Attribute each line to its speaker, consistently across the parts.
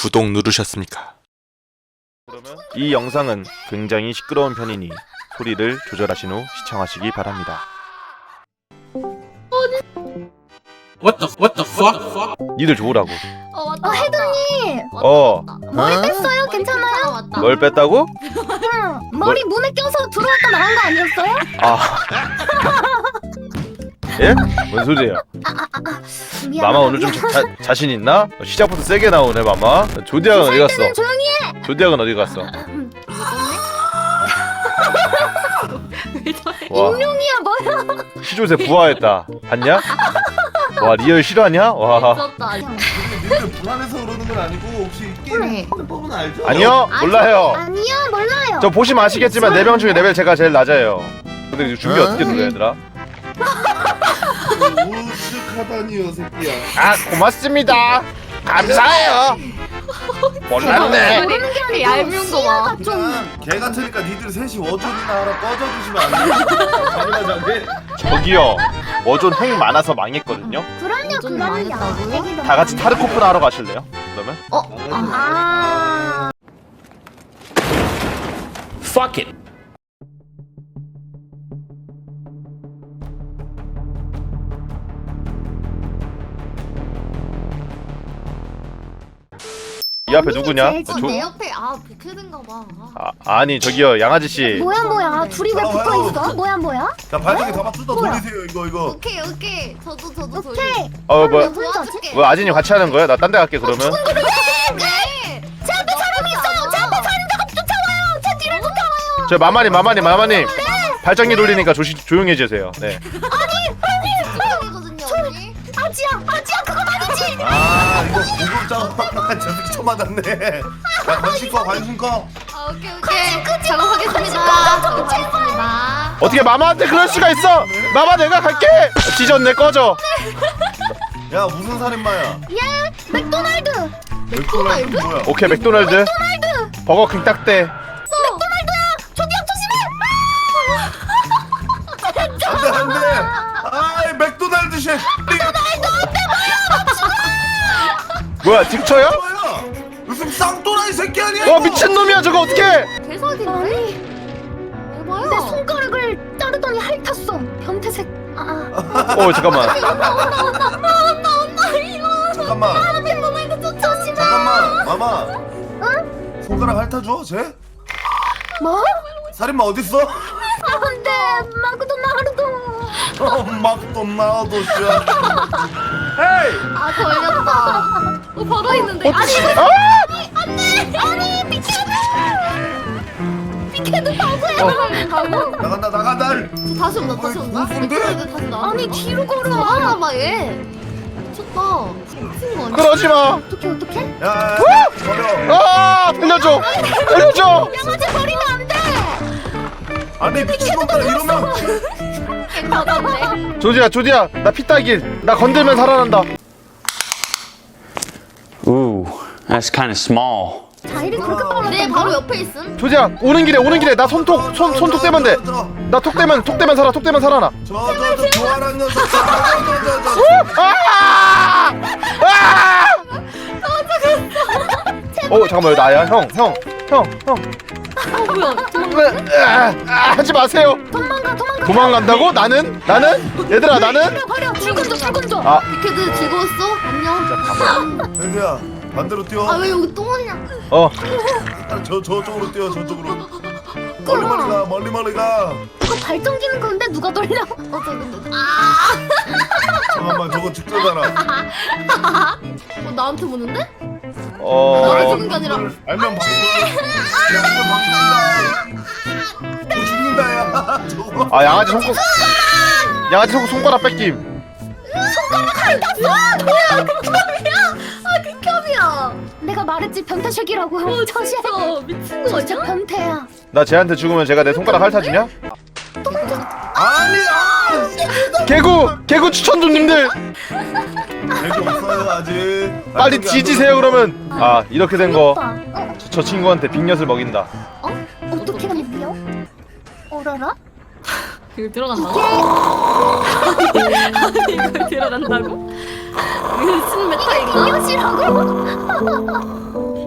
Speaker 1: 구독 누르셨습니까?
Speaker 2: 이 영상은 굉장히 시끄러운 편이니 소리를 조절하신 후 시청하시기 바랍니다.
Speaker 1: What the fuck?
Speaker 2: 니들 좋으라고.
Speaker 3: 맞다. 혜동님 머리
Speaker 2: 응?
Speaker 3: 뺐어요? 괜찮아요?
Speaker 2: 뭘 뺐다고?
Speaker 3: 응. 머리 문에 껴서 들어왔다 나간 거 아니었어요?
Speaker 2: 아. 예? 뭔 소리예요? 마마 오늘 좀 자신 있나? 시작부터 세게 나오네 마마. 조디아는 어디 갔어?
Speaker 3: 조용히 해.
Speaker 2: 조디아는 어디 갔어? 와,
Speaker 3: 익룡이야 뭐야?
Speaker 2: 시조새 부화했다. 봤냐? 와 리얼 실화냐? 와.
Speaker 3: 미쳤다.
Speaker 4: 니들 불안해서 그러는 건 아니고 혹시 게임 법은 알죠?
Speaker 2: 아니요 몰라요.
Speaker 3: 아니야 몰라요.
Speaker 2: 저 보시면 아시겠지만 4명 중에 레벨 제가 제일 낮아요. 근데 이거 준비 어떻게 눌러 얘들아?
Speaker 4: 우측하다니요 새끼야.
Speaker 2: 아 고맙습니다. 감사해요. 몰랐네.
Speaker 3: 모르는 게 아니고
Speaker 5: 얄미운 거 봐.
Speaker 3: 시야가 좀
Speaker 4: 그냥 개 같으니까 니들 셋이 워존이나 하나 꺼져주시면 안 돼요? 당연하게.
Speaker 2: 저기요. 워존 핵 많아서 망했거든요.
Speaker 3: 그럼요
Speaker 5: 좀
Speaker 3: 그거는요.
Speaker 5: 망했다고요?
Speaker 2: 다 같이 타르코프나 하러 가실래요? 그러면?
Speaker 3: 아
Speaker 1: Fuck it.
Speaker 2: 이 앞에 누구냐?
Speaker 3: 제일
Speaker 5: 내 옆에 백헤드인가 봐.
Speaker 2: 아니 저기요 양아지 씨.
Speaker 3: 뭐야 둘이 왜 붙어 있어? 뭐야?
Speaker 4: 자 발전기 다 뜯어
Speaker 3: 뭐야?
Speaker 4: 돌리세요 이거.
Speaker 5: 오케이. 저도
Speaker 3: 오케이.
Speaker 2: 어 뭐야?
Speaker 3: 몇 분짜지?
Speaker 2: 뭐 아진이 같이 하는 거야? 나 딴 데 갈게 그러면.
Speaker 3: 제 앞에 사람이 있어요. 제 앞에 사람들가 쫓아와요. 제 뒤를 쫓아와요.
Speaker 2: 저 마마님. 발전기 돌리니까 조용히 해주세요. 네.
Speaker 5: 이거든요 언니.
Speaker 3: 아지야 그건 아니지.
Speaker 4: 아 이거 구급장 저 새끼 처음 만났네. 야 관심 꺼.
Speaker 5: 오케이. 작업하겠습니다.
Speaker 2: 어떻게 마마한테 그럴 수가 있어? 마마 내가 갈게. 지졌네 꺼져.
Speaker 4: 야 무슨 살인마야?
Speaker 3: 예 맥도날드.
Speaker 4: 맥도날드 뭐야?
Speaker 2: 오케이 맥도날드. 버거킹 딱대.
Speaker 3: 조디야 조심해.
Speaker 4: 안돼. 아이 맥도날드 쉐.
Speaker 2: 뭐야 딕쳐요?
Speaker 4: 뭐야? 무슨 쌍또라이 새끼 아니야?
Speaker 2: 미친놈이야 저거 어떡해.
Speaker 5: 대박이네.
Speaker 3: 아니 내
Speaker 5: 봐요.
Speaker 3: 손가락을 자르더니 핥았어. 변태색.
Speaker 2: 잠깐만.
Speaker 4: 잠깐만 마마. 응? 손가락 핥아줘 쟤?
Speaker 3: 뭐?
Speaker 4: 살인마 어딨어?
Speaker 3: 안돼 마크도나르도.
Speaker 4: 막도 씨.
Speaker 2: 헤이.
Speaker 5: 걸렸다. 바로 있는데.
Speaker 3: 아니 미케드 바보야.
Speaker 4: 나간다.
Speaker 5: 저 다시 온다.
Speaker 4: 다시 온다?
Speaker 5: 아니 뒤로 걸어. 봐 얘. 미쳤다. 미친 거 아니야?
Speaker 2: 그러지 마.
Speaker 3: 어떡해?
Speaker 4: 야 버려.
Speaker 2: 살려줘.
Speaker 3: 양아지 버리면 안 돼.
Speaker 4: 아니 미친놈들 이러면.
Speaker 5: 받았네.
Speaker 2: 조디야 나 피따길. 나 건들면 살아난다.
Speaker 6: Ooh, that's kind of small.
Speaker 3: 자일이 그렇게 빨라.
Speaker 5: 내 바로 옆에 있음.
Speaker 2: 조디야 오는 길에 나 손톱 떼면 돼. 나 톡 떼면 살아나.
Speaker 4: 저 교활한 녀석.
Speaker 2: 잠깐만 나야 형.
Speaker 5: 뭐야?
Speaker 2: 하지 마세요. 도망간다고? 나는? 얘들아 나는?
Speaker 3: 버려. 불 건져.
Speaker 2: 아
Speaker 5: 비케드 즐거웠어? 안녕.
Speaker 4: 애들야 반대로 뛰어.
Speaker 5: 아 왜 여기 또 오냐?
Speaker 4: 저쪽으로 뛰어 저쪽으로.
Speaker 3: 끌어.
Speaker 4: 멀리 가.
Speaker 3: 이거 발전기는 건데 누가 돌려?
Speaker 4: 잠깐만 저거 직전잖아.
Speaker 5: 나한테 보는데? 나를 주는 게 아니라.
Speaker 4: 알면 방금. 죽는다 야. 저거.
Speaker 2: 양아지 손가락 뺏김.
Speaker 5: 극혐이야.
Speaker 3: 내가 말했지 변태색이라고. 저시
Speaker 5: 미친 거
Speaker 3: 진짜 변태야.
Speaker 2: 나 쟤한테 죽으면 제가 내 손가락 핥아주냐?
Speaker 4: 아니
Speaker 2: 개구 추천 좀 님들.
Speaker 4: 개그 없어요 아직.
Speaker 2: 빨리 뒤지세요 그러면. 이렇게 된 거
Speaker 3: 오빠.
Speaker 2: 저 친구한테 빅엿을 먹인다.
Speaker 3: 어떻게 하는데요? 어라라?
Speaker 5: 이거 들어간다고? 이거 들어간다고? 이거 무슨 메타 이거?
Speaker 3: 이것이라고?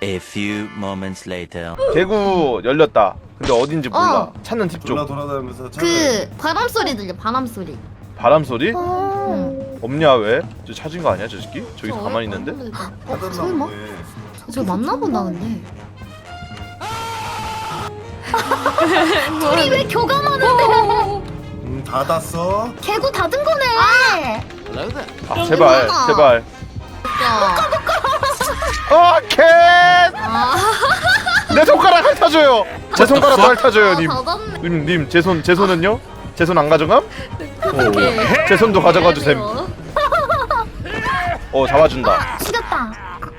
Speaker 7: A few moments later.
Speaker 2: 개구 열렸다. 근데 어딘지 몰라. 찾는 팁
Speaker 4: 돌아
Speaker 2: 좀.
Speaker 4: 돌아다니면서
Speaker 5: 그 바람 소리 들려. 바람 소리.
Speaker 2: 바람 소리?
Speaker 5: 응.
Speaker 2: 없냐 왜? 저 찾은 거 아니야 저 새끼? 저기 가만히 있는데?
Speaker 4: 찾았나
Speaker 5: 설마?
Speaker 4: 보네.
Speaker 5: 저 맞나 보다 근데.
Speaker 3: 우리 왜 교감하는데?
Speaker 4: 닫았어.
Speaker 3: 개구 닫은 거네.
Speaker 2: 아 제발
Speaker 5: 누구나.
Speaker 2: 제발.
Speaker 5: 야.
Speaker 2: 캔!
Speaker 5: 아.
Speaker 2: 내 손가락 핥아줘요. 제 손가락도 핥아줘요 님.
Speaker 5: 닫았네.
Speaker 2: 님 제 손은요? 제 손 안 가져감? 제 손도 가져가 주셈. 잡아준다.
Speaker 3: 죽였다.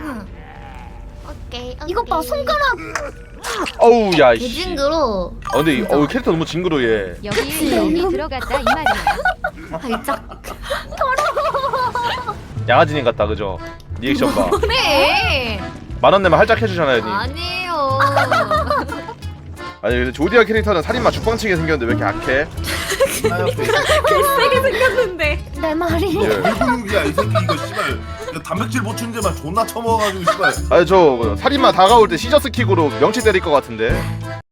Speaker 5: 오케이.
Speaker 3: 이것 봐 손가락.
Speaker 2: 어우 야 씨.
Speaker 5: 개징그러.
Speaker 2: 근데 캐릭터 너무 징그러얘.
Speaker 3: 그치?
Speaker 8: 여기에 이미 들어갔다 이 말이야.
Speaker 5: 발작.
Speaker 2: 양아지님 같다 그죠? 리액션 봐.
Speaker 5: 그래.
Speaker 2: 10,000원 내면 할짝 해주잖아요 님.
Speaker 5: 아니에요.
Speaker 2: 아니 근데 조디아 캐릭터는 살인마 죽방치게 생겼는데 왜 이렇게 악해?
Speaker 5: 세게 생겼는데.
Speaker 3: 내 말이.
Speaker 4: 불근육이야 이 새끼 이거 씨발. 이거 단백질 보충제만 존나 처먹어가지고 씨발.
Speaker 2: 아니 저 살인마 다가올 때 시저스 킥으로 명치 때릴 것 같은데.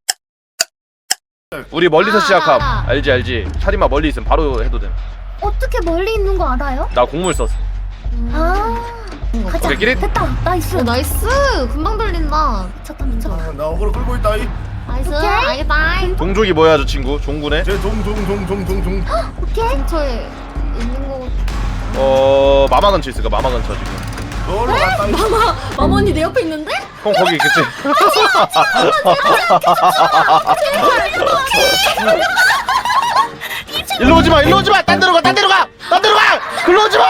Speaker 2: 우리 멀리서 시작함. 알지. 살인마 멀리 있으면 바로 해도 됨.
Speaker 3: 어떻게 멀리 있는 거 알아요?
Speaker 2: 나 곡물 썼어.
Speaker 3: 아. 가자.
Speaker 2: 오케이, 끼릿.
Speaker 3: 됐다. 나이스.
Speaker 5: 오 나이스. 금방 들린다.
Speaker 3: 미쳤다 미쳤다.
Speaker 4: 아, 나 어그로 끌고 있다 이.
Speaker 5: 나이스.
Speaker 3: 오케이.
Speaker 5: 알겠다.
Speaker 2: 동족이 뭐야 저 친구? 종구네?
Speaker 4: 제 종종종종종종.
Speaker 3: 오케이.
Speaker 5: 근처에 있는 거.
Speaker 2: 마마 근처 있을까? 마마 근처 지금.
Speaker 4: 너로 갔다 이.
Speaker 5: 마모니 내 옆에 있는데?
Speaker 2: 형 거기 있겠지? 일로 오지 마, 일로 오지 마. 딴 데로 가, 딴 데로 가, 딴 데로 가. 글로 오지 마.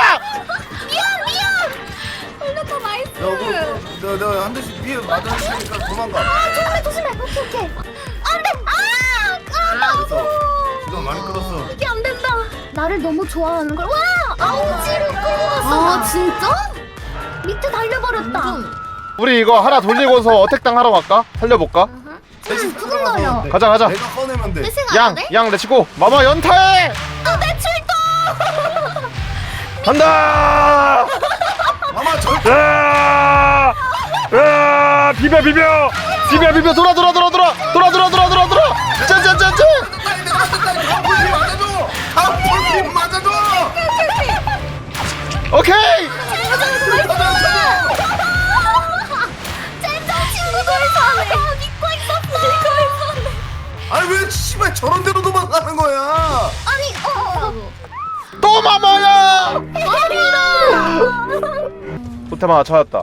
Speaker 5: 걸렸다 나이스.
Speaker 4: 야 어그로 내가 한 대씩 위에 맞았으니까 도망가.
Speaker 3: 조심해. 오케이. 안돼.
Speaker 4: 그래서 시간 많이 끌었어.
Speaker 3: 이게 안 된다. 나를 너무 좋아하는 걸. 와 아우지로 끌어갔어.
Speaker 5: 아 진짜?
Speaker 3: 밑에 달려버렸다.
Speaker 5: 완전.
Speaker 2: 우리 이거 하나 돌리고서 어택당 하러 갈까? 살려볼까?
Speaker 4: 대신
Speaker 3: 두근거려.
Speaker 2: 가자, 가자.
Speaker 4: 내가 꺼내면 돼.
Speaker 5: 회생 안 돼?
Speaker 2: 양 렛츠고. 마마 연타해.
Speaker 3: 내 출동.
Speaker 2: 간다.
Speaker 4: 마마 절대.
Speaker 2: 비벼 돌아 짠
Speaker 4: 볼피 맞아줘. 볼피 맞아줘.
Speaker 2: 오케이.
Speaker 3: 젠장 친구들 사네. 믿고 있었어.
Speaker 4: 아니 왜 씨발 저런 데로 도망가는 거야?
Speaker 3: 아니
Speaker 2: 또 마마야. 호텔 하나 찾았다.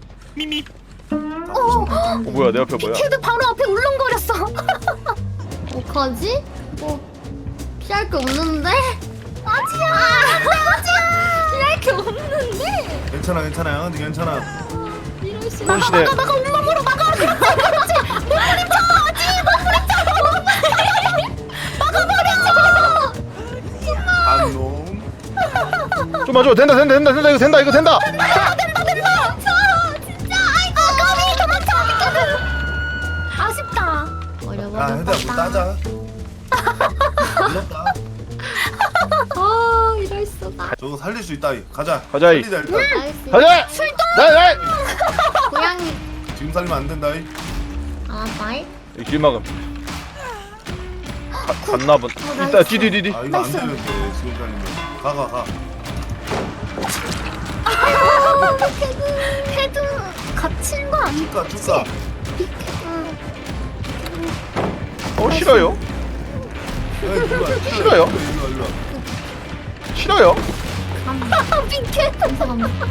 Speaker 2: 뭐야 내 옆에 뭐야?
Speaker 3: 걔도 바로 앞에 울렁거렸어.
Speaker 5: 어떡하지? 피할 게 없는데?
Speaker 3: 아지야.
Speaker 5: 피할 게 없는데?
Speaker 4: 괜찮아 양아지 괜찮아.
Speaker 5: 이럴 수.
Speaker 2: 손시대.
Speaker 3: 나가 온몸으로 막아. 그렇지. 몸부림쳐.
Speaker 4: 안놈.
Speaker 2: 좀만 줘. 된다 이거 된다.
Speaker 3: 진짜. 아이고 까비 도망쳐. 아쉽다.
Speaker 4: 야
Speaker 5: 어려워.
Speaker 4: 헤드야 뭐 따자. 불렀다.
Speaker 5: 아 이럴 수가.
Speaker 4: 저거 살릴 수 있다 이. 가자.
Speaker 2: 가자, 이.
Speaker 4: 살리자 일단.
Speaker 5: 나이스.
Speaker 2: 가자. 네.
Speaker 5: 고양이.
Speaker 4: 지금 살리면 안 된다 이.
Speaker 5: 아 나이.
Speaker 2: 이 길막음. 갔나 본. 이따 뒤.
Speaker 4: 아 이거 안 되는데 지금 살리면. 가.
Speaker 3: 헤드 갇힌 거 아니야?
Speaker 4: 쭉가.
Speaker 2: 싫어요. 싫어요.
Speaker 4: 일로.
Speaker 2: 싫어요.
Speaker 3: 핑크.
Speaker 5: 감사합니다.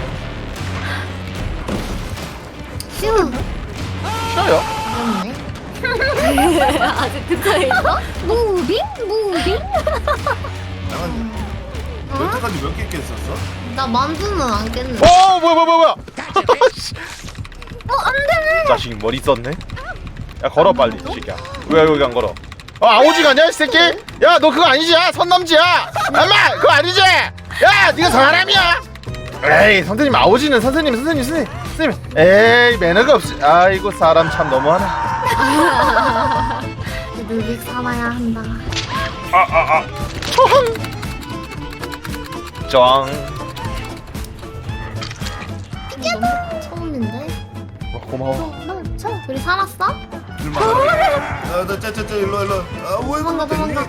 Speaker 5: 쉬운.
Speaker 2: 싫어요.
Speaker 5: 어렵네. 아직 근처에 있어?
Speaker 3: 무빙.
Speaker 4: 양아지. 여태까지 몇 개 깼었어?
Speaker 5: 나 만두는 안 깼네.
Speaker 2: 오 뭐야.
Speaker 3: 안 되네.
Speaker 2: 자식 머리 썼네. 야 걸어 빨리 이 새끼야. 왜 여기 안 걸어? 아오지가 아니야 이 새끼? 야 너 그거 아니지? 야 선남지야. 엄마 그거 아니지? 야 네가 사람이야? 에이 선생님 아오지는 선생님. 에이 매너가 없이. 아이고 사람 참 너무하네.
Speaker 5: 늘 살아야 한다.
Speaker 2: 짱.
Speaker 5: 너무 처음인데?
Speaker 2: 고마워.
Speaker 5: 우리 살았어?
Speaker 4: 나 짜짜짜 일로 일로. 왜
Speaker 5: 도망가 도망가.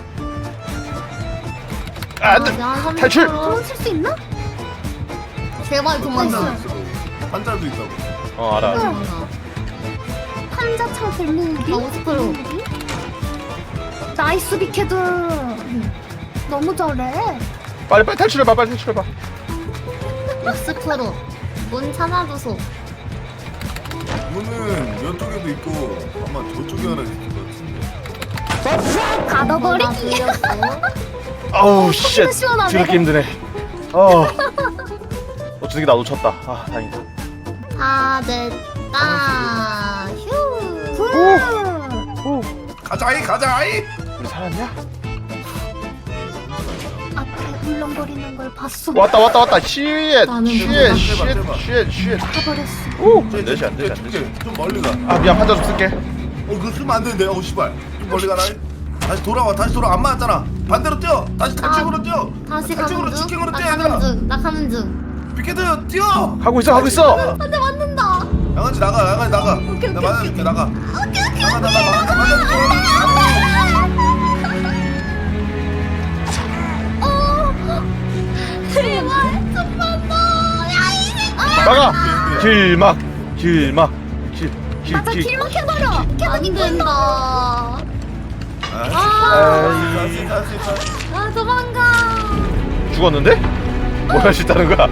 Speaker 2: 안돼. 탈출!
Speaker 5: 도망칠 수 있나? 제발 도망쳐.
Speaker 4: 환자도 있다고.
Speaker 2: 알아.
Speaker 5: 판자창 벨루기? 스프로. 나이스 비케드. 너무 잘해.
Speaker 2: 빨리 탈출해봐. 빨리 탈출해봐.
Speaker 5: 스프로. 문 찾아줘서.
Speaker 4: 문은 이쪽에도 있고 아마 저쪽에 하나 있을 것 같은데.
Speaker 5: 가둬버리기.
Speaker 2: 아우 쉣.
Speaker 5: 시원하네.
Speaker 2: 저렇게 힘드네. 어쩌게 나 놓쳤다. 아 다행이다.
Speaker 5: 다 됐다. 휴.
Speaker 2: 오.
Speaker 4: 가자이 가자이.
Speaker 2: 우리 살았냐?
Speaker 5: 앞에 울렁거리는 걸 봤어.
Speaker 2: 왔다. 쉣.
Speaker 5: 나는
Speaker 2: 쉣.
Speaker 5: 가버렸어.
Speaker 2: 오. 안 되지 안 되지 안 되지.
Speaker 4: 좀 멀리 가.
Speaker 2: 아 미안 판자 좀 쓸게.
Speaker 4: 그거 쓰면 안 되는데. 씨발. 좀 멀리 가라. 다시 돌아. 안 맞았잖아. 반대로 뛰어. 다시 탈출으로 뛰어.
Speaker 5: 다시
Speaker 4: 탈출으로
Speaker 5: 가는 중.
Speaker 4: 직행으로
Speaker 5: 나
Speaker 4: 뛰어야
Speaker 5: 가는
Speaker 4: 돼.
Speaker 5: 중. 나 가는 중.
Speaker 4: 비케드 뛰어.
Speaker 2: 하고 있어.
Speaker 5: 안돼 맞는다.
Speaker 4: 양아지 나가.
Speaker 5: 오케이,
Speaker 4: 나
Speaker 5: 오케이,
Speaker 4: 맞아줄게 나가.
Speaker 5: 오케이.
Speaker 4: 나가. 맞아줄게.
Speaker 5: 제발 좀만 더. 야 이제.
Speaker 2: 막아. 길막.
Speaker 5: 맞아 길 막혀버려. 안 된다. 아 도망가.
Speaker 2: 죽었는데? 뭘 할 수 있다는 거야?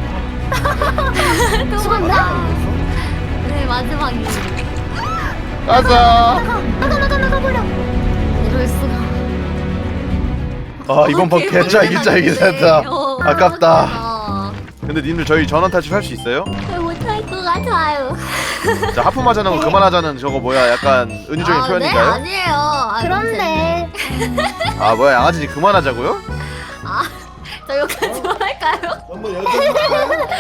Speaker 5: 도망가. 네 마지막이.
Speaker 2: 가자.
Speaker 5: 나가버려. 이럴 수가.
Speaker 2: 아 이번 번 개짜기 됐다. 아깝다.
Speaker 5: 아,
Speaker 2: 근데 님들 저희 전원 탈출 할 수 있어요?
Speaker 5: 못할 것 같아요.
Speaker 2: 자 하품하자는 거 그만하자는 저거 뭐야 약간 은유적인
Speaker 5: 네,
Speaker 2: 표현인가요?
Speaker 5: 아니에요. 그런데
Speaker 2: 아 뭐야 양아지 그만하자고요?
Speaker 5: 저 여기까지 할까요?
Speaker 4: 한번 여기까지.